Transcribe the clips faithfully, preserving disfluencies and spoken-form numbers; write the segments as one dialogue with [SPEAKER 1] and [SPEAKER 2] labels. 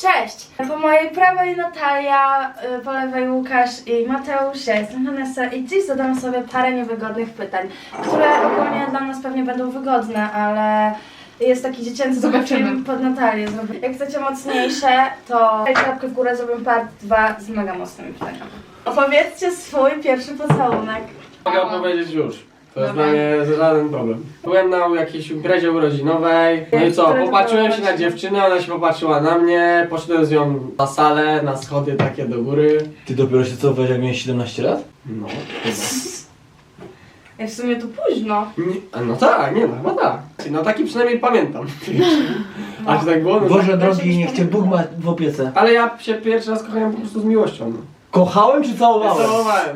[SPEAKER 1] Cześć! Po mojej prawej Natalia, po lewej Łukasz i Mateusz, ja jestem Vanessa i dziś zadam sobie parę niewygodnych pytań, które ogólnie dla nas pewnie będą wygodne, ale jest taki dziecięcy film pod Natalię. Jak chcecie mocniejsze, to dajcie łapkę w górę, zrobię part dwa z mega mocnymi pytaniami. Opowiedzcie swój pierwszy pocałunek.
[SPEAKER 2] Mogę opowiedzieć już. To jest dla mnie żaden problem. Byłem na jakiejś imprezie urodzinowej, no i co, popatrzyłem się na dziewczynę, ona się popatrzyła na mnie, poszedłem z nią na salę, na schody takie do góry.
[SPEAKER 3] Ty dopiero się cofałeś, jak miałeś siedemnaście lat?
[SPEAKER 2] No.
[SPEAKER 1] Ja w sumie to późno.
[SPEAKER 2] Nie, no tak, nie no, chyba tak. No taki przynajmniej pamiętam. A czy tak było? No
[SPEAKER 3] Boże
[SPEAKER 2] tak.
[SPEAKER 3] drogi, niech cię Bóg ma w opiece.
[SPEAKER 2] Ale ja się pierwszy raz kochałem po prostu z miłością. No.
[SPEAKER 3] Kochałem czy całowałem?
[SPEAKER 2] Całowałem.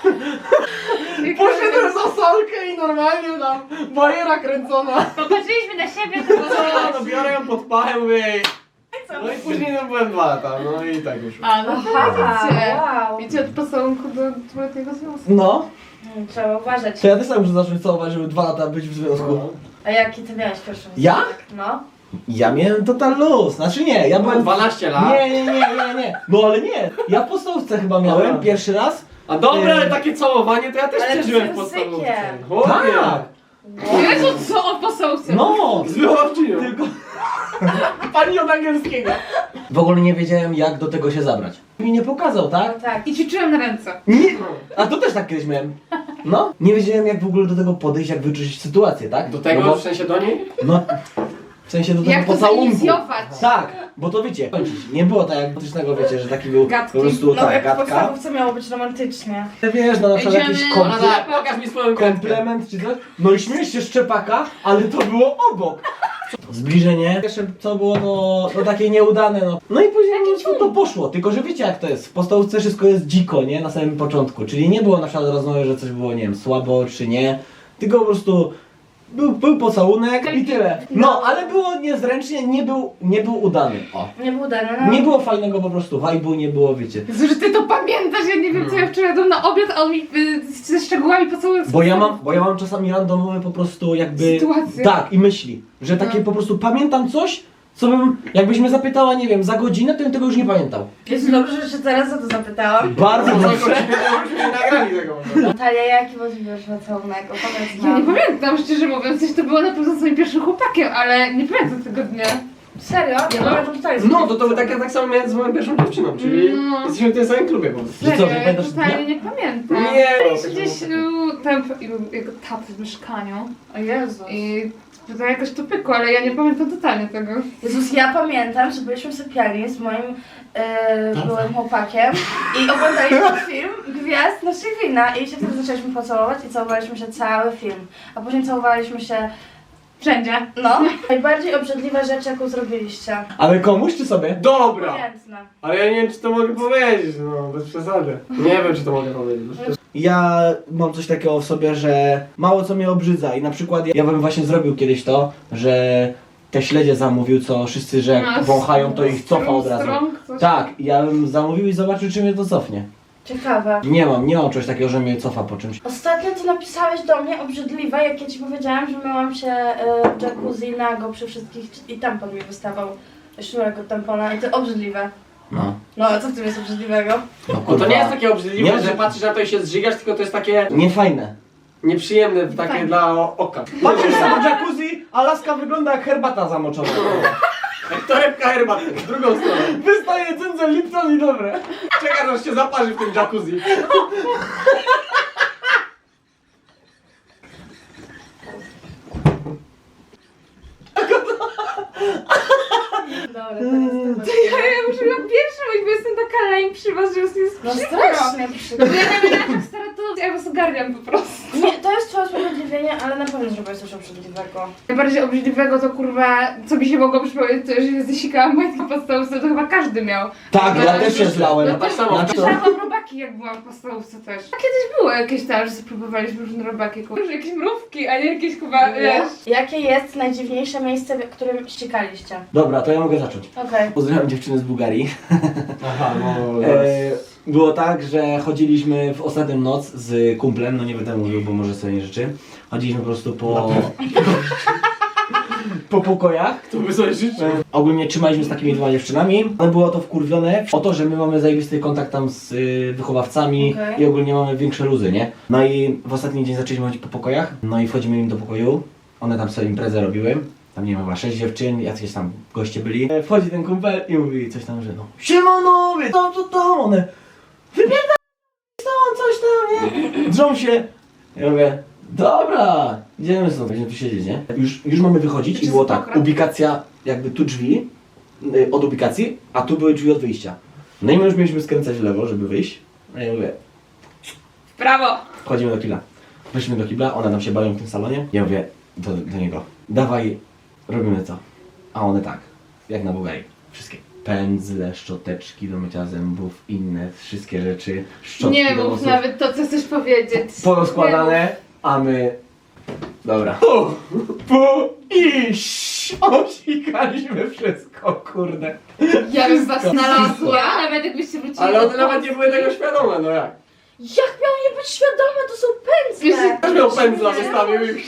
[SPEAKER 2] Poszedłem za salkę i normalnie tam bajera kręcona.
[SPEAKER 4] Popatrzyliśmy na siebie, to było
[SPEAKER 2] No, no biorę ją pod pachę, mówię jej. No i później no, byłem dwa lata, no i tak już.
[SPEAKER 4] A, no
[SPEAKER 1] Aha,
[SPEAKER 4] wiecie.
[SPEAKER 1] wow.
[SPEAKER 4] Wiecie, od pocałunku do dwuletniego związku.
[SPEAKER 3] No,
[SPEAKER 1] Hmm, Trzeba uważać.
[SPEAKER 3] to ja też tak muszę zacząć całować, żeby dwa lata być w związku.
[SPEAKER 2] No.
[SPEAKER 1] A jaki ty miałeś pierwszy
[SPEAKER 3] Ja?
[SPEAKER 1] pocałunek? No.
[SPEAKER 3] Ja miałem total luz, znaczy nie, ja byłem...
[SPEAKER 2] dwanaście lat.
[SPEAKER 3] Nie, nie, nie, nie, nie. No ale nie, ja w podstawówce chyba miałem
[SPEAKER 2] Aha.
[SPEAKER 3] pierwszy raz.
[SPEAKER 2] A dobra, ale
[SPEAKER 3] Yy.
[SPEAKER 2] takie całowanie to ja też
[SPEAKER 1] Ale
[SPEAKER 2] przeżyłem
[SPEAKER 1] z
[SPEAKER 2] w podstawówce.
[SPEAKER 1] językiem.
[SPEAKER 2] Chłopie.
[SPEAKER 3] Tak,
[SPEAKER 4] Jezu, co o posągce?
[SPEAKER 3] no.
[SPEAKER 2] Z wychowawczynią.
[SPEAKER 3] Tylko...
[SPEAKER 2] Pani od angielskiego.
[SPEAKER 3] W ogóle nie wiedziałem jak do tego się zabrać. Mi nie pokazał, tak?
[SPEAKER 1] No tak.
[SPEAKER 4] I ćwiczyłem na ręce.
[SPEAKER 3] Nie, a to też tak kiedyś miałem. No, nie wiedziałem jak w ogóle do tego podejść, jak wyczuć sytuację, tak?
[SPEAKER 2] Do tego,
[SPEAKER 3] no, bo,
[SPEAKER 2] w sensie do niej?
[SPEAKER 3] no, w sensie do tego
[SPEAKER 4] Jak to
[SPEAKER 3] pocałunku.
[SPEAKER 4] zainicjować?
[SPEAKER 3] Tak, bo to wiecie, nie było tak jak potycznego, wiecie, że taki był
[SPEAKER 4] Gadki.
[SPEAKER 3] po prostu
[SPEAKER 1] No
[SPEAKER 3] tak,
[SPEAKER 1] jak w
[SPEAKER 3] gadka.
[SPEAKER 1] podstawówce miało być romantycznie.
[SPEAKER 3] Wiesz, no na przykład
[SPEAKER 4] Idziemy,
[SPEAKER 3] jakiś
[SPEAKER 2] No
[SPEAKER 3] komple
[SPEAKER 2] tak, pokaż mi swoją kredkę.
[SPEAKER 3] komplement czy coś. No i śmiesz się szczepaka, ale to było obok. Zbliżenie. Pierwsze co było to, to takie nieudane, no. No i później po prostu to poszło, tylko że wiecie jak to jest. W podstawówce wszystko jest dziko, nie? Na samym początku. Czyli nie było na przykład rozmowy, że coś było, nie wiem, słabo czy nie. Tylko po prostu był, był pocałunek i tyle. No, ale było niezręcznie, nie był, nie był udany. O.
[SPEAKER 1] Nie był dane, no.
[SPEAKER 3] Nie było fajnego po prostu vibe'u, nie było, wiecie.
[SPEAKER 4] Jezu, że ty to pamiętasz, ja nie wiem co ja wczoraj jadłam na obiad, a on mi y, ze szczegółami pocałunek.
[SPEAKER 3] Bo ja mam, bo ja mam czasami randomowe po prostu jakby...
[SPEAKER 4] Sytuacje.
[SPEAKER 3] Tak, i myśli, że takie
[SPEAKER 4] No.
[SPEAKER 3] po prostu pamiętam coś, co bym, jakbyś mnie zapytała, nie wiem, za godzinę, to bym tego już nie pamiętał.
[SPEAKER 1] Jezu, dobrze, że się teraz o to zapytałam.
[SPEAKER 3] Bardzo
[SPEAKER 2] No,
[SPEAKER 3] dobrze.
[SPEAKER 2] żebyśmy nie nagrali tego.
[SPEAKER 1] Natalia, jaki był twój pierwszy pocałunek? Opowiedz
[SPEAKER 4] Ja nie
[SPEAKER 1] nam.
[SPEAKER 4] pamiętam, szczerze mówiąc, coś to było na pewno z moim pierwszym chłopakiem, ale nie pamiętam tego dnia.
[SPEAKER 1] Serio? Ja pamiętam tutaj.
[SPEAKER 2] No, to, to tak, ja tak samo miałem z moją pierwszą dziewczyną, czyli
[SPEAKER 4] No.
[SPEAKER 2] jesteśmy w tym samym klubie po prostu.
[SPEAKER 3] Że co,
[SPEAKER 4] Serio,
[SPEAKER 3] że
[SPEAKER 4] ja
[SPEAKER 3] pamiętasz
[SPEAKER 4] totalnie
[SPEAKER 3] dnia?
[SPEAKER 4] nie pamiętam.
[SPEAKER 2] Nie,
[SPEAKER 4] Gdzieś y, tam y, jego taty w mieszkaniu
[SPEAKER 1] O Jezu.
[SPEAKER 4] i to jakoś to pykło, ale ja nie pamiętam totalnie tego.
[SPEAKER 1] Jezus, ja pamiętam, że byliśmy w sypialni z moim e, byłym chłopakiem i oglądaliśmy film Gwiazd naszych wina i się wtedy zaczęliśmy pocałować i całowaliśmy się cały film. A później całowaliśmy się,
[SPEAKER 4] Wszędzie.
[SPEAKER 1] no, najbardziej obrzydliwe rzeczy, jaką zrobiliście.
[SPEAKER 3] Ale komuś czy sobie?
[SPEAKER 2] Dobra!
[SPEAKER 1] Pamiętne.
[SPEAKER 2] Ale ja nie wiem, czy to mogę powiedzieć, no, bez przesady. Nie wiem, czy to mogę powiedzieć.
[SPEAKER 3] Ja mam coś takiego w sobie, że mało co mnie obrzydza i na przykład ja, ja bym właśnie zrobił kiedyś to, że te śledzie zamówił, co wszyscy, że jak
[SPEAKER 4] A,
[SPEAKER 3] wąchają, to ich cofa od razu.
[SPEAKER 4] strąg, coś.
[SPEAKER 3] Tak, ja bym zamówił i zobaczył, czy mnie to cofnie.
[SPEAKER 1] Ciekawe.
[SPEAKER 3] Nie mam, nie mam czegoś takiego, że mnie cofa po czymś.
[SPEAKER 1] Ostatnio ty napisałeś do mnie obrzydliwe, jak ja ci powiedziałam, że myłam się e, w jacuzzi nago przy wszystkich i tampon mi wystawał. Sznurek od tampona i to obrzydliwe.
[SPEAKER 3] No.
[SPEAKER 1] No, a co w tym jest obrzydliwego?
[SPEAKER 3] No,
[SPEAKER 2] Bo
[SPEAKER 3] kurwa.
[SPEAKER 2] to nie jest takie obrzydliwe,
[SPEAKER 3] Nie,
[SPEAKER 2] że
[SPEAKER 3] że-
[SPEAKER 2] patrzysz na to i się zżygasz, tylko to jest takie
[SPEAKER 3] Nie fajne.
[SPEAKER 2] nieprzyjemne, takie
[SPEAKER 4] Fajne.
[SPEAKER 2] dla o- oka.
[SPEAKER 3] Patrzysz na to jacuzzi, a laska wygląda jak herbata zamoczona.
[SPEAKER 2] Jak torebka herbaty, w drugą stronę.
[SPEAKER 3] Wystaje cyndzel Lipton i dobre.
[SPEAKER 2] Czekasz, aż się zaparzy w tym jacuzzi.
[SPEAKER 1] Dobra, to jest
[SPEAKER 4] To ja, ja muszę na pierwszy być, bo jestem taka lame przy was, że już jest
[SPEAKER 1] No
[SPEAKER 4] przykro.
[SPEAKER 1] strasznie
[SPEAKER 4] No
[SPEAKER 1] przykro.
[SPEAKER 4] bo ja nie wiem, jak stara to ja was ogarniam po prostu.
[SPEAKER 1] Nie, to jest twoje usprawiedliwienie, ale na pewno zrobiłeś coś obrzydliwego.
[SPEAKER 4] Najbardziej obrzydliwego to kurwa, co mi się mogło przypomnieć, to że się zasikałam majtki podstawówce, to chyba każdy miał.
[SPEAKER 3] Tak,
[SPEAKER 4] No,
[SPEAKER 3] ja
[SPEAKER 4] ale
[SPEAKER 3] też się
[SPEAKER 4] to-
[SPEAKER 3] zlałem.
[SPEAKER 2] Ja tak samo.
[SPEAKER 3] Na to-
[SPEAKER 4] Słyszałam robaki jak byłam w podstawówce też. A kiedyś było jakieś tam, że spróbowaliśmy różne robaki, kurwa, że jakieś mrówki, a nie jakieś chyba, wiesz.
[SPEAKER 1] Jakie jest najdziwniejsze miejsce, w którym ściekaliście?
[SPEAKER 3] Dobra, to ja mogę zacząć.
[SPEAKER 1] Okej.
[SPEAKER 3] Pozdrawiam dziewczyny z Bułgarii.
[SPEAKER 2] Aha, no
[SPEAKER 3] E, było tak, że chodziliśmy w ostatnią noc z kumplem, no nie będę mówił, bo może sobie nie życzy. Chodziliśmy po prostu po... po pokojach.
[SPEAKER 2] To by sobie życzył.
[SPEAKER 3] E, Ogólnie trzymaliśmy z takimi dwoma dziewczynami. One było to wkurwione o to, że my mamy zajebisty kontakt tam z y, wychowawcami
[SPEAKER 1] Okej.
[SPEAKER 3] i ogólnie mamy większe luzy, nie? No i w ostatni dzień zaczęliśmy chodzić po pokojach, no i wchodzimy im do pokoju. One tam sobie imprezę robiły. Tam nie wiem, chyba sześć dziewczyn, jacyś tam goście byli. E, Wchodzi ten kumpel i mówi coś tam, że no siemanowie, to, to, to, one wypierdaj stąd, coś tam, nie? Drżą się. Ja mówię, dobra, idziemy stąd, będziemy tu siedzieć, nie? Już, już mamy wychodzić i było tak, ubikacja, jakby tu drzwi y, od ubikacji, a tu były drzwi od wyjścia. No i my już mieliśmy skręcać w lewo, żeby wyjść. A ja mówię,
[SPEAKER 4] Brawo!
[SPEAKER 3] wchodzimy do kibla. Weszliśmy do kibla, one tam się bawią w tym salonie. Ja mówię do, do niego, dawaj, robimy to. A one tak, jak na Bułgarii, wszystkie. Pędzle, szczoteczki do mycia zębów, inne wszystkie rzeczy, szczotki
[SPEAKER 4] Nie
[SPEAKER 3] do
[SPEAKER 4] mów
[SPEAKER 3] włosów.
[SPEAKER 4] nawet to, co chcesz powiedzieć.
[SPEAKER 3] Porozkładane, a my... Dobra. Pu, pu i ś- osikaliśmy wszystko, kurde.
[SPEAKER 4] Ja bym was
[SPEAKER 3] Wszystko.
[SPEAKER 4] znalazła, nawet jakbyście wrócili
[SPEAKER 2] Ale
[SPEAKER 4] do
[SPEAKER 2] one nawet nie były tego świadome, no jak?
[SPEAKER 1] Jak miał nie być świadome, to są pędzle!
[SPEAKER 4] Wiesz,
[SPEAKER 2] Też miał pędzla wystawił i...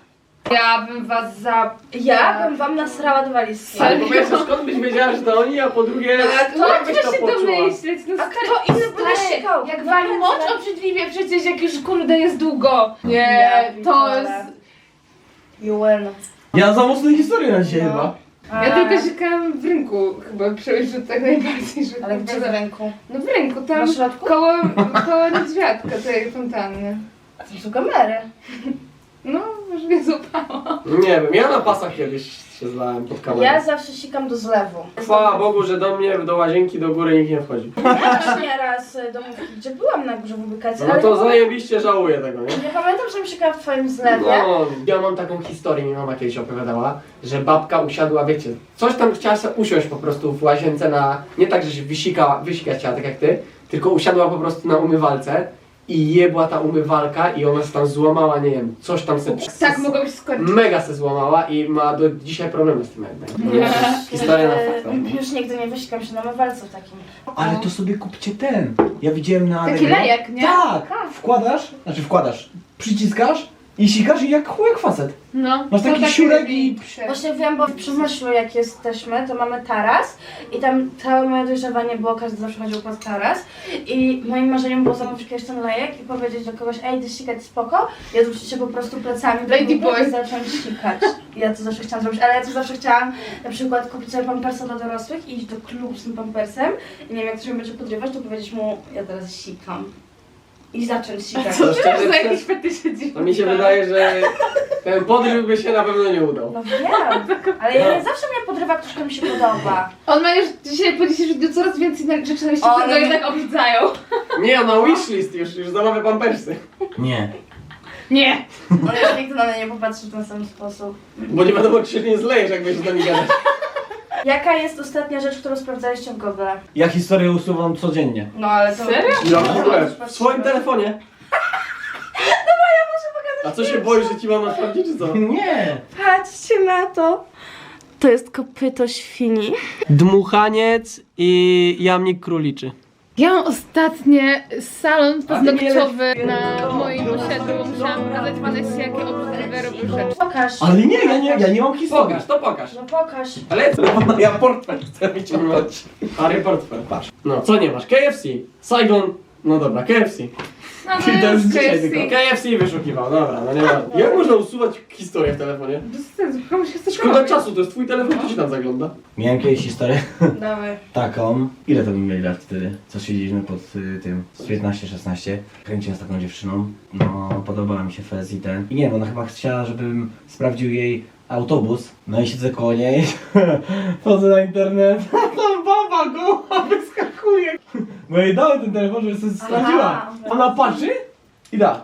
[SPEAKER 4] Ja bym was za...
[SPEAKER 1] Ja bym wam nasrała do walizki.
[SPEAKER 2] Ale po pierwsze, skąd byś wiedziała, że to oni, a po drugie...
[SPEAKER 4] To
[SPEAKER 2] jak byś
[SPEAKER 4] trzeba
[SPEAKER 2] to
[SPEAKER 4] się
[SPEAKER 2] poczuła?
[SPEAKER 4] domyśleć, no
[SPEAKER 1] A
[SPEAKER 4] stary.
[SPEAKER 1] kto inny by
[SPEAKER 4] Stary,
[SPEAKER 1] wysikał?
[SPEAKER 4] jak wali moc obrzydliwie przecież, jak już kurde jest długo. Nie,
[SPEAKER 1] Ja
[SPEAKER 4] to
[SPEAKER 1] pitole.
[SPEAKER 4] jest...
[SPEAKER 1] You win.
[SPEAKER 3] Ja za mocne historie na dzisiaj
[SPEAKER 1] No.
[SPEAKER 3] chyba.
[SPEAKER 4] Ja tylko sikałam w rynku chyba, przeżyć tak najbardziej, że...
[SPEAKER 1] Ale gdzie w ręku?
[SPEAKER 4] No w ręku, tam
[SPEAKER 1] Na środku?
[SPEAKER 4] koło, koło niedźwiadka, tej fontanny.
[SPEAKER 1] To są kamery.
[SPEAKER 4] No, może mnie złapało.
[SPEAKER 2] Nie wiem, ja na pasach kiedyś się zlałem pod kamerą.
[SPEAKER 1] Ja zawsze sikam do zlewu.
[SPEAKER 2] Chwała Bogu, że do mnie, do łazienki, do góry nikt nie wchodzi.
[SPEAKER 1] Też nieraz y, domówki, gdzie byłam na górze w ubikacji,
[SPEAKER 2] No
[SPEAKER 1] ale
[SPEAKER 2] to
[SPEAKER 1] nie,
[SPEAKER 2] zajebiście żałuję tego, nie?
[SPEAKER 1] nie pamiętam, żebym sikała w twoim zlewie.
[SPEAKER 2] No, ja mam taką historię, mi mama kiedyś opowiadała, że babka usiadła, wiecie, coś tam chciała sobie usiąść po prostu w łazience na, nie tak, że się wysikała, wysikać chciała tak jak ty, tylko usiadła po prostu na umywalce i jebła ta umywalka i ona się tam złamała, nie wiem, coś tam se...
[SPEAKER 4] Tak mogło się skończyć.
[SPEAKER 2] Mega se złamała i ma do dzisiaj problemy z tym jakby.
[SPEAKER 4] Nie.
[SPEAKER 2] Historia na
[SPEAKER 1] Y,
[SPEAKER 2] faktach.
[SPEAKER 1] Już nigdy nie wysikam się na mywalce w takim.
[SPEAKER 3] Ale to sobie kupcie ten. Ja widziałem na...
[SPEAKER 4] Taki
[SPEAKER 3] Allegro.
[SPEAKER 4] lejek, nie?
[SPEAKER 3] Tak, wkładasz, znaczy wkładasz, przyciskasz i sikasz i jak chuj jak facet.
[SPEAKER 4] No.
[SPEAKER 3] Masz
[SPEAKER 4] to
[SPEAKER 3] taki
[SPEAKER 4] takie
[SPEAKER 3] siurek i-
[SPEAKER 4] większe.
[SPEAKER 1] Właśnie wiem, bo w Przemyślu jak jesteśmy, to mamy taras i tam całe moje dojrzewanie było, każdy zawsze chodził pod taras i moim marzeniem było zamówić kiedyś ten lejek i powiedzieć do kogoś, ej, ty sikać spoko, ja zwrócić się po prostu plecami do
[SPEAKER 4] Lady
[SPEAKER 1] góry
[SPEAKER 4] boy.
[SPEAKER 1] i zacząć sikać. Ja to zawsze chciałam zrobić, ale ja to zawsze chciałam na przykład kupić sobie pampersa dla dorosłych i iść do klubu z tym pampersem i nie wiem, jak ktoś mnie będzie podrywać, to powiedzieć mu, ja teraz sikam. I zacząć sikać.
[SPEAKER 2] To
[SPEAKER 4] Ty masz
[SPEAKER 2] szczerze,
[SPEAKER 4] za
[SPEAKER 2] to-
[SPEAKER 4] jakieś fetysze dziwne.
[SPEAKER 2] to mi się wydaje, że ten podryw by się na pewno nie udał.
[SPEAKER 1] No wiem, ale ja nie zawsze mnie podrywa ktoś, kto mi się podoba.
[SPEAKER 4] On ma już dzisiaj po dzisiejszym dniu coraz więcej na- rzeczy na liście,
[SPEAKER 1] O,
[SPEAKER 4] które go
[SPEAKER 1] no.
[SPEAKER 4] jednak obrzydzają.
[SPEAKER 2] Nie, na wishlist już, już zamawia pampersy.
[SPEAKER 3] Nie.
[SPEAKER 4] Nie.
[SPEAKER 1] On już nigdy na mnie nie popatrzy w ten sam sposób.
[SPEAKER 2] Bo nie wiadomo, czy się nie zlejesz, jak będziesz z nami gadać.
[SPEAKER 1] Jaka jest ostatnia rzecz, którą sprawdzaliście w Google?
[SPEAKER 3] Ja historię usuwam codziennie.
[SPEAKER 1] No ale to...
[SPEAKER 4] Serio?
[SPEAKER 2] Ja w ogóle, w swoim telefonie. A co się boisz, że ci mama sprawdzi, czy co?
[SPEAKER 3] Nie.
[SPEAKER 1] Patrzcie na to. To jest kopyto świni.
[SPEAKER 2] Dmuchaniec i jamnik króliczy.
[SPEAKER 4] Ja mam ostatnie salon paznokciowy
[SPEAKER 3] nie
[SPEAKER 4] na
[SPEAKER 3] leć-
[SPEAKER 4] moim osiedlu. Musiałam pokazać Vanessie, jakie obrzydliwe robił rzeczy.
[SPEAKER 1] Pokaż.
[SPEAKER 3] Ale nie, ja nie, ja nie mam historii.
[SPEAKER 2] Pokaż, to pokaż.
[SPEAKER 1] No pokaż.
[SPEAKER 2] Ale
[SPEAKER 3] Ja portfel chcę wyciągnąć.
[SPEAKER 2] Harry portfel.
[SPEAKER 3] Patrz.
[SPEAKER 2] No, co nie masz? K F C, Saigon, no dobra, K F C.
[SPEAKER 4] No,
[SPEAKER 3] Czyli to jest dzisiaj
[SPEAKER 4] K F C.
[SPEAKER 3] tylko.
[SPEAKER 2] K F C wyszukiwał, dobra, no nie ma. Jak można usuwać historię w telefonie?
[SPEAKER 4] Bez sensu, komuś chce
[SPEAKER 2] Szkoda czasu, to jest twój telefon, to się tam zagląda.
[SPEAKER 3] Miałem kiedyś historię
[SPEAKER 1] Dawaj.
[SPEAKER 3] taką. Ile to bym mieli lat wtedy? Co siedzieliśmy pod y, tym? Z piętnaście szesnaście. Kręciłem z taką dziewczyną. No, podobała mi się fez i ten. I nie wiem, ona chyba chciała, żebym sprawdził jej autobus. No i siedzę koło niej. Wchodzę na internet. Tam baba go wyskakuje. Bo jej dałem ten telefon, żeby sobie sprawdziła. Ona patrzy i da.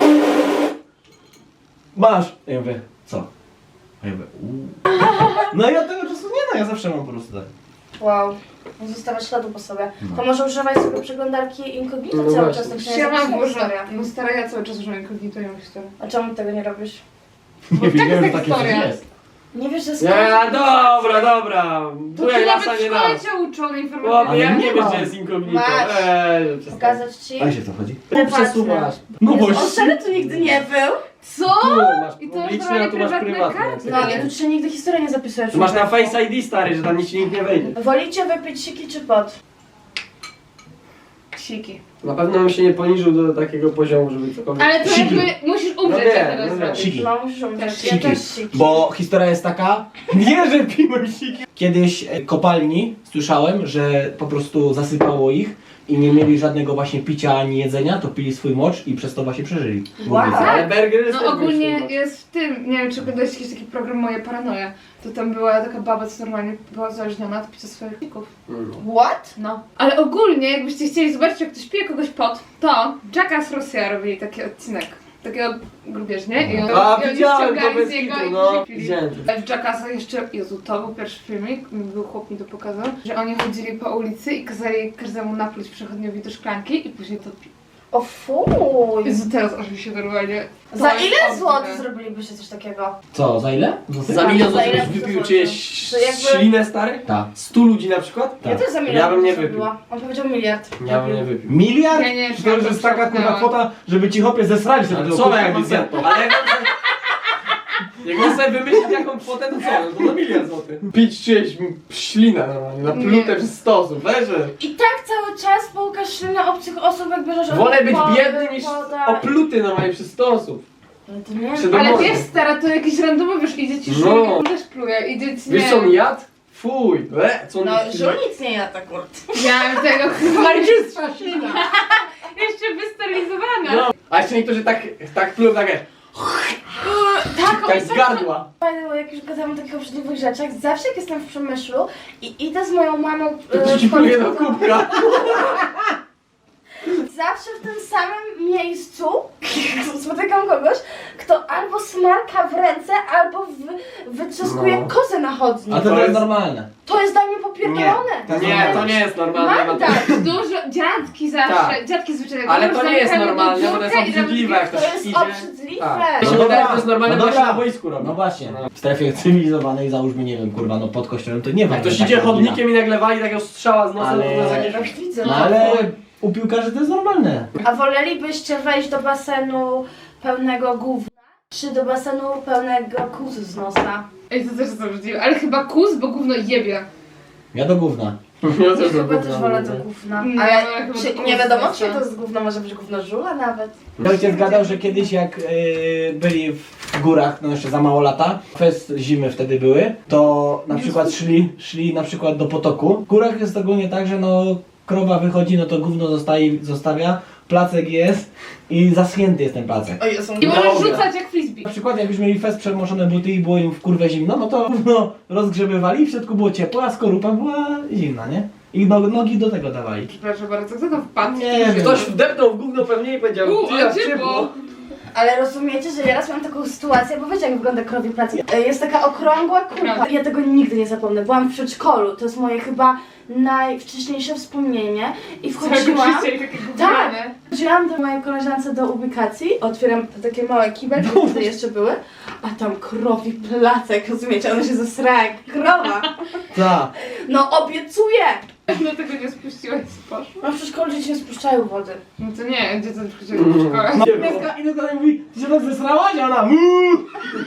[SPEAKER 3] Masz. A ja mówię, co? A ja mówię, uuu. No i od tego czasu nie no, ja zawsze mam po prostu tak.
[SPEAKER 1] Wow. Nie zostawiać śladu po sobie.
[SPEAKER 3] No.
[SPEAKER 1] To może używać sobie przeglądarki incognito
[SPEAKER 2] No
[SPEAKER 1] cały
[SPEAKER 2] właśnie.
[SPEAKER 1] czas, tak się nie
[SPEAKER 4] Ja mam
[SPEAKER 1] zapisze
[SPEAKER 4] dużo.
[SPEAKER 1] historia.
[SPEAKER 4] No stara, ja cały czas używam incognito, ja mam historię.
[SPEAKER 1] A czemu tego nie robisz?
[SPEAKER 3] Nie
[SPEAKER 4] taka
[SPEAKER 3] wiedziałem, że
[SPEAKER 4] jest
[SPEAKER 3] takie coś
[SPEAKER 4] historia.
[SPEAKER 3] jest.
[SPEAKER 1] Nie wiesz, że jest
[SPEAKER 2] Nie, dobra, dobra.
[SPEAKER 4] To
[SPEAKER 2] Tu
[SPEAKER 4] ty
[SPEAKER 2] jak
[SPEAKER 4] nawet
[SPEAKER 2] lasa
[SPEAKER 4] w
[SPEAKER 2] nie da.
[SPEAKER 4] szkole cię uczony
[SPEAKER 2] Chłopie,
[SPEAKER 4] informatyki.
[SPEAKER 2] jak
[SPEAKER 3] Ale
[SPEAKER 2] nie
[SPEAKER 3] nie
[SPEAKER 2] wiesz,
[SPEAKER 3] ma.
[SPEAKER 2] że jest inkognito?
[SPEAKER 1] Masz.
[SPEAKER 2] Eee, przestań.
[SPEAKER 1] Pokazać ci?
[SPEAKER 3] A wiesz o co chodzi?
[SPEAKER 2] Przesuwasz.
[SPEAKER 3] No
[SPEAKER 1] Jezu,
[SPEAKER 3] właśnie.
[SPEAKER 1] on serio tu nigdy nie był?
[SPEAKER 4] Co?
[SPEAKER 2] Tu masz
[SPEAKER 4] I to
[SPEAKER 2] publiczne,
[SPEAKER 4] jest
[SPEAKER 2] a tu masz
[SPEAKER 4] prywatne
[SPEAKER 2] prywatne.
[SPEAKER 4] karty.
[SPEAKER 1] No i tu się nigdy historia nie zapisuje.
[SPEAKER 2] Tu masz na
[SPEAKER 1] człowieku.
[SPEAKER 2] Face I D, stary, że tam nic ci nikt nie wejdzie.
[SPEAKER 1] Wolicie wypić siki czy pot?
[SPEAKER 4] Siki.
[SPEAKER 2] Na pewno bym się nie poniżył do takiego poziomu, żeby cokolwiek...
[SPEAKER 4] Ale to
[SPEAKER 3] Siki.
[SPEAKER 4] jakby musisz umrzeć,
[SPEAKER 2] No
[SPEAKER 4] jak
[SPEAKER 2] wiem,
[SPEAKER 4] teraz
[SPEAKER 2] no wiem.
[SPEAKER 4] zrobić.
[SPEAKER 3] Siki.
[SPEAKER 1] No musisz umrzeć. Ja
[SPEAKER 3] Siki.
[SPEAKER 1] też siki.
[SPEAKER 3] Bo historia jest taka, nie że piłem siki. Kiedyś e, kopalni słyszałem, że po prostu zasypało ich i nie mieli żadnego właśnie picia ani jedzenia, to pili swój mocz i przez to właśnie przeżyli.
[SPEAKER 1] Wow.
[SPEAKER 2] Ale burger jest
[SPEAKER 4] No
[SPEAKER 2] też
[SPEAKER 4] ogólnie
[SPEAKER 2] wyższy,
[SPEAKER 4] jest w tym, nie wiem czy oglądałeś jakiś taki program Moje Paranoje, to tam była taka baba, co normalnie była uzależniona od picia swoich pików.
[SPEAKER 2] no.
[SPEAKER 1] What?
[SPEAKER 4] No. Ale ogólnie, jakbyście chcieli zobaczyć, jak ktoś pije kogoś pot, to Jackass Rosja robili taki odcinek. Takiego grubieżnie i on,
[SPEAKER 2] A,
[SPEAKER 4] i oni
[SPEAKER 2] widziałem to
[SPEAKER 4] ściągali
[SPEAKER 2] bez
[SPEAKER 4] z niego
[SPEAKER 2] kitu,
[SPEAKER 4] i
[SPEAKER 2] no.
[SPEAKER 4] później pili.
[SPEAKER 2] Widziałem to.
[SPEAKER 4] W Jackassa jeszcze, Jezu, to był pierwszy filmik, był chłop mi to pokazał, że oni chodzili po ulicy i kazali każdemu napluć przechodniowi do szklanki i później to pił.
[SPEAKER 1] O fuj.
[SPEAKER 4] Jezu, teraz aż mi się normalnie... to
[SPEAKER 1] Za
[SPEAKER 4] jest
[SPEAKER 1] ile
[SPEAKER 4] obrzydliwe.
[SPEAKER 1] złotych zrobilibyście coś takiego?
[SPEAKER 3] Co, za ile?
[SPEAKER 2] Za milion
[SPEAKER 1] Za
[SPEAKER 2] złotych
[SPEAKER 1] ile
[SPEAKER 2] byś wypił
[SPEAKER 1] złotych?
[SPEAKER 2] czyjeś
[SPEAKER 1] To jakby-
[SPEAKER 2] ślinę, stary?
[SPEAKER 3] Tak.
[SPEAKER 2] Stu ludzi na przykład?
[SPEAKER 1] Ja
[SPEAKER 3] Tak.
[SPEAKER 1] też za milion
[SPEAKER 2] Ja bym nie
[SPEAKER 1] zrobiła. On powiedział miliard.
[SPEAKER 2] Ja bym nie wypił.
[SPEAKER 3] Miliard?
[SPEAKER 4] Ja nie,
[SPEAKER 3] to już jest taka kurwa kwota, żeby ci chłopie zesrali sobie
[SPEAKER 2] Ale
[SPEAKER 3] tego
[SPEAKER 2] co
[SPEAKER 3] kurwa
[SPEAKER 2] jakby zjadł?
[SPEAKER 3] koncertu.
[SPEAKER 2] Ale jak on sobie... Jak on sobie wymyślić jaką kwotę, to co? No to na miliard złotych. Pić czyjeś ślinę normalnie, na plutę
[SPEAKER 4] Nie.
[SPEAKER 2] przez sto osób, weże.
[SPEAKER 1] I tak cały czas połukasz ślinę obcych osób, jak bierzesz od
[SPEAKER 2] Wolę być
[SPEAKER 1] wody,
[SPEAKER 2] biedny niż
[SPEAKER 1] woda.
[SPEAKER 2] opluty normalnie przez sto osób.
[SPEAKER 1] No to nie
[SPEAKER 2] Przy
[SPEAKER 1] wiem.
[SPEAKER 2] domu-
[SPEAKER 4] Ale
[SPEAKER 2] Może.
[SPEAKER 4] wiesz stara, to jakiś randomowy, wiesz, idzie ci
[SPEAKER 2] No.
[SPEAKER 4] szulek, no. też pluje, idzie ci,
[SPEAKER 2] Wiesz
[SPEAKER 4] nie
[SPEAKER 2] co on
[SPEAKER 4] wiem.
[SPEAKER 2] jadł? Fuj, le, co on
[SPEAKER 1] No, żul nic nie jada, kurde.
[SPEAKER 4] Ja tego
[SPEAKER 2] Najczystsza ślina.
[SPEAKER 4] jeszcze wysterylizowana.
[SPEAKER 2] No. A jeszcze niektórzy tak, tak plują takie,
[SPEAKER 1] Tak,
[SPEAKER 2] tak z gardła.
[SPEAKER 1] Fajne, bo jak już gadamy o takich obrzydliwych rzeczach, zawsze jak jestem w Przemyślu i idę z moją mamą
[SPEAKER 2] To
[SPEAKER 1] e,
[SPEAKER 2] ci
[SPEAKER 1] w
[SPEAKER 2] pluje do
[SPEAKER 1] końcu-
[SPEAKER 2] kubka.
[SPEAKER 1] zawsze w tym samym miejscu spotykam kogoś, kto albo smarka w ręce, albo wy, wytrzaskuje
[SPEAKER 2] No.
[SPEAKER 1] kozę na chodnik.
[SPEAKER 3] A to,
[SPEAKER 2] To
[SPEAKER 3] jest
[SPEAKER 2] jest-
[SPEAKER 3] normalne.
[SPEAKER 1] To jest dla mnie popierdolone.
[SPEAKER 3] Nie,
[SPEAKER 2] Nie, to nie jest normalne.
[SPEAKER 1] Mam
[SPEAKER 2] no to-
[SPEAKER 1] tak.
[SPEAKER 4] Dużo, dziadki zawsze,
[SPEAKER 2] Tak.
[SPEAKER 4] dziadki zwyczajnie.
[SPEAKER 2] Ale
[SPEAKER 4] dużo
[SPEAKER 2] to nie jest
[SPEAKER 4] zamykają do
[SPEAKER 2] normalne, bo to jest
[SPEAKER 4] biurka i tam
[SPEAKER 2] obrzydliwe, jak
[SPEAKER 1] To
[SPEAKER 2] ktoś
[SPEAKER 1] jest
[SPEAKER 2] idzie.
[SPEAKER 1] obrzydliwe.
[SPEAKER 2] Tak.
[SPEAKER 1] No
[SPEAKER 2] Mi się wydaje, że to jest normalne,
[SPEAKER 3] no
[SPEAKER 2] bo się
[SPEAKER 3] dobra.
[SPEAKER 2] na boisku robi.
[SPEAKER 3] No właśnie.
[SPEAKER 2] No.
[SPEAKER 3] W strefie cywilizowanej załóżmy, nie wiem, kurwa, no pod kościołem to nie ma.
[SPEAKER 2] Jak ktoś
[SPEAKER 3] takiego
[SPEAKER 2] idzie
[SPEAKER 3] wina.
[SPEAKER 2] chodnikiem i nagle wali takiego strzała z nosem,
[SPEAKER 3] Ale-
[SPEAKER 2] to jest jakieś...
[SPEAKER 1] Tak widzę.
[SPEAKER 3] No ale u piłkarzy to jest normalne.
[SPEAKER 1] A wolelibyście wejść do basenu pełnego gówna, czy do basenu pełnego kuzu z nosa?
[SPEAKER 4] Ej, to też jest obrzydliwe, ale chyba kus, bo gówno jebie.
[SPEAKER 3] Ja do gówna.
[SPEAKER 2] Ja też
[SPEAKER 1] Chyba
[SPEAKER 2] bym
[SPEAKER 1] też
[SPEAKER 2] powiedział,
[SPEAKER 1] wolę
[SPEAKER 2] no.
[SPEAKER 1] do gówna.
[SPEAKER 4] Nie,
[SPEAKER 1] Ale
[SPEAKER 4] ale chyba
[SPEAKER 1] czy,
[SPEAKER 4] do
[SPEAKER 1] nie
[SPEAKER 4] kuzu
[SPEAKER 1] wiadomo,
[SPEAKER 4] z
[SPEAKER 1] czy
[SPEAKER 4] nosa.
[SPEAKER 1] to z gówna może być gówno żula nawet.
[SPEAKER 3] Ojciec gadał, że kiedyś jak y, byli w górach, no jeszcze za mało lata, kwest zimy wtedy były, to na przykład szli, szli na przykład do potoku. W górach jest ogólnie tak, że no krowa wychodzi, no to gówno zostaje, zostawia, placek jest i zaschnięty jest ten placek.
[SPEAKER 1] O Jezu.
[SPEAKER 4] I możesz
[SPEAKER 2] Dobra.
[SPEAKER 4] rzucać jak frisbee.
[SPEAKER 3] Na przykład jak już mieli fest przemoczone buty i było im w kurwę zimno, no to no, rozgrzebywali i w środku było ciepło, a skorupa była zimna, nie? I no, nogi do tego dawali.
[SPEAKER 4] Przepraszam bardzo, kto tam wpadł?
[SPEAKER 3] Nie wiem.
[SPEAKER 2] Ktoś wdepnął w gówno pewnie i powiedział,
[SPEAKER 4] U,
[SPEAKER 2] ty
[SPEAKER 4] a
[SPEAKER 2] jak
[SPEAKER 4] ciepło.
[SPEAKER 2] ciepło.
[SPEAKER 1] Ale rozumiecie, że ja raz miałam taką sytuację, bo wiecie jak wygląda krowie placek. E, Jest taka okrągła kulka. Ja tego nigdy nie zapomnę. Byłam w przedszkolu, to jest moje chyba najwcześniejsze wspomnienie. I wchodziłam... Tak! Wchodziłam do mojej koleżance do ubikacji, otwieram te takie małe kibelki, które jeszcze były, a tam krowi placek, rozumiecie? Ona się zesrała jak krowa.
[SPEAKER 3] Tak.
[SPEAKER 1] No obiecuję!
[SPEAKER 4] Dlatego nie spuściłaś z poszło.
[SPEAKER 1] No w przedszkolu dzieci nie spuszczają wody.
[SPEAKER 4] No to nie, gdzie to chodziło do szkoły?
[SPEAKER 3] No, i tylko mówi, ty się tak zesrałaś, a ona muuu.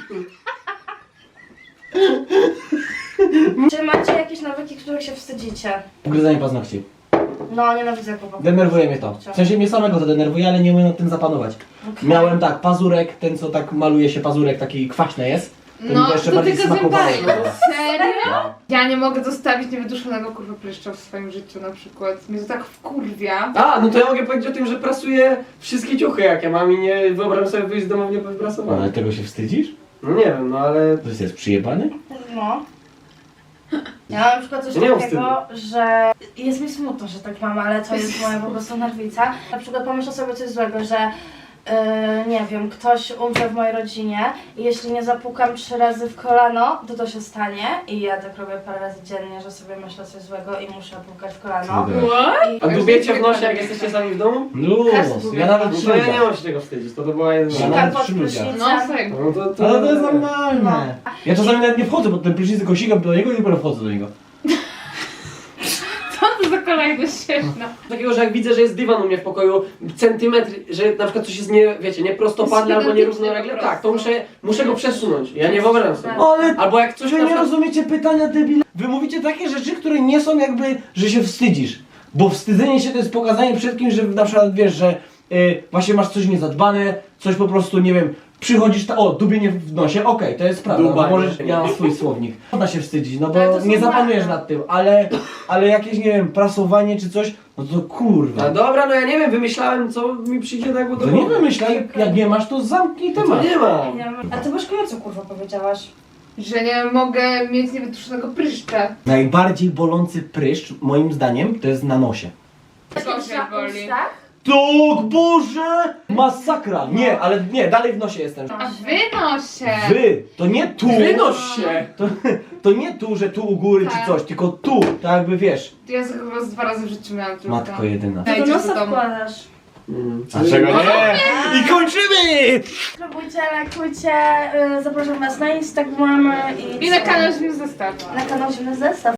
[SPEAKER 1] Czy macie jakieś nawyki, których się wstydzicie?
[SPEAKER 3] Ugryzanie paznokci.
[SPEAKER 1] No, nienawidzę chłopaków.
[SPEAKER 3] Denerwuje mnie to. W sensie mnie samego to denerwuje, ale nie umiem nad tym zapanować.
[SPEAKER 1] Okay.
[SPEAKER 3] Miałem tak, pazurek, ten co tak maluje się pazurek, taki kwaśny jest. To mi
[SPEAKER 4] No,
[SPEAKER 3] to jeszcze
[SPEAKER 4] to
[SPEAKER 3] bardziej
[SPEAKER 4] tylko
[SPEAKER 3] smakowało.
[SPEAKER 4] zębami. Serio? Ja nie mogę zostawić niewyduszonego kurwa pryszcza w swoim życiu na przykład. Mnie to tak wkurwia.
[SPEAKER 2] A, no to ja mogę powiedzieć o tym, że prasuję wszystkie ciuchy jak ja mam i nie wyobrażam sobie wyjść z domu nie
[SPEAKER 3] Ale
[SPEAKER 2] wyprasowany.
[SPEAKER 3] tego się wstydzisz?
[SPEAKER 2] No nie wiem, no ale...
[SPEAKER 3] To jest przyjebany?
[SPEAKER 1] No. Ja mam na przykład coś
[SPEAKER 2] Ja nie mam
[SPEAKER 1] takiego, że jest mi smutno, że tak mam, ale to jest moja po prostu nerwica. Na przykład pomyślę sobie coś złego, że yy, nie wiem, ktoś umrze w mojej rodzinie i jeśli nie zapukam trzy razy w kolano, to to się stanie i ja tak robię parę razy dziennie, że sobie myślę coś złego i muszę pukać w kolano.
[SPEAKER 4] What?
[SPEAKER 2] A dubiecie w nosie, jak jesteście sami w domu?
[SPEAKER 3] Luz, ja nawet
[SPEAKER 2] No
[SPEAKER 3] trzy
[SPEAKER 2] to ja nie
[SPEAKER 3] ludziach.
[SPEAKER 2] mam się tego wstydzić, to to była jedna.
[SPEAKER 3] Ja
[SPEAKER 1] Sikam
[SPEAKER 3] nawet
[SPEAKER 1] pod
[SPEAKER 3] przy ludziach.
[SPEAKER 1] prysznicem.
[SPEAKER 4] No serio.
[SPEAKER 2] No to, to...
[SPEAKER 3] Ale to jest normalne. Ja czasami nawet nie wchodzę pod ten prysznic, tylko sikam do niego i dopiero wchodzę do niego.
[SPEAKER 4] Co to za kolejność śmieszna?
[SPEAKER 2] Takiego, że jak widzę, że jest dywan u mnie w pokoju, centymetr, że na przykład coś jest nie, wiecie, nieprostopadle albo nierównolegle,
[SPEAKER 4] po
[SPEAKER 2] tak, to
[SPEAKER 4] prostu.
[SPEAKER 2] muszę, muszę go przesunąć. Ja nie wyobrażam sobie.
[SPEAKER 3] Ale
[SPEAKER 2] Albo jak coś
[SPEAKER 3] wy
[SPEAKER 2] na
[SPEAKER 3] nie
[SPEAKER 2] przykład...
[SPEAKER 3] rozumiecie pytania debile. Wy mówicie takie rzeczy, które nie są jakby, że się wstydzisz. Bo wstydzenie się to jest pokazanie przed kimś, że na przykład wiesz, że y, właśnie masz coś niezadbane, coś po prostu, nie wiem, przychodzisz, ta, o, dubienie w nosie, okej, to jest prawda, no,
[SPEAKER 2] Dubanie.
[SPEAKER 3] możesz, ja mam swój słownik. Można się wstydzić, no
[SPEAKER 4] Ale
[SPEAKER 3] bo
[SPEAKER 4] to są
[SPEAKER 3] nie zapanujesz
[SPEAKER 4] znaki.
[SPEAKER 3] nad tym, ale, ale jakieś, nie wiem, prasowanie czy coś, no to kurwa.
[SPEAKER 2] A dobra, no ja nie wiem, wymyślałem, co mi przyjdzie tak, bo to...
[SPEAKER 3] To nie wymyślaj, jak nie masz, to zamknij
[SPEAKER 2] To
[SPEAKER 3] temat.
[SPEAKER 2] nie ma.
[SPEAKER 1] Nie wiem. A ty Bożko, co kurwa powiedziałaś?
[SPEAKER 4] Że nie mogę mieć niewytuszonego pryszcza.
[SPEAKER 3] Najbardziej bolący pryszcz, moim zdaniem, to jest na nosie.
[SPEAKER 4] Co się boli?
[SPEAKER 1] Tak?
[SPEAKER 3] Tak, Boże! Masakra! Nie, ale nie, dalej w nosie jestem.
[SPEAKER 4] A wynosie!
[SPEAKER 3] Wy, to nie tu,
[SPEAKER 2] Wynoś się!
[SPEAKER 3] to, to nie tu, że tu u góry
[SPEAKER 4] Tak.
[SPEAKER 3] czy coś, tylko tu, tak jakby wiesz.
[SPEAKER 4] Ja chyba z dwa razy w życiu miałam tylko.
[SPEAKER 3] Matko jedyna.
[SPEAKER 1] To do
[SPEAKER 4] Dajcie do
[SPEAKER 1] nosa
[SPEAKER 4] domu.
[SPEAKER 1] wkładasz.
[SPEAKER 2] Mm.
[SPEAKER 3] Dlaczego nie? I kończymy!
[SPEAKER 1] Spróbujcie, lajkujcie, y, zapraszam was na Instagramy i
[SPEAKER 4] I na
[SPEAKER 1] co?
[SPEAKER 4] kanał Zimny Zestaw.
[SPEAKER 1] Na kanał Zimny Zestaw.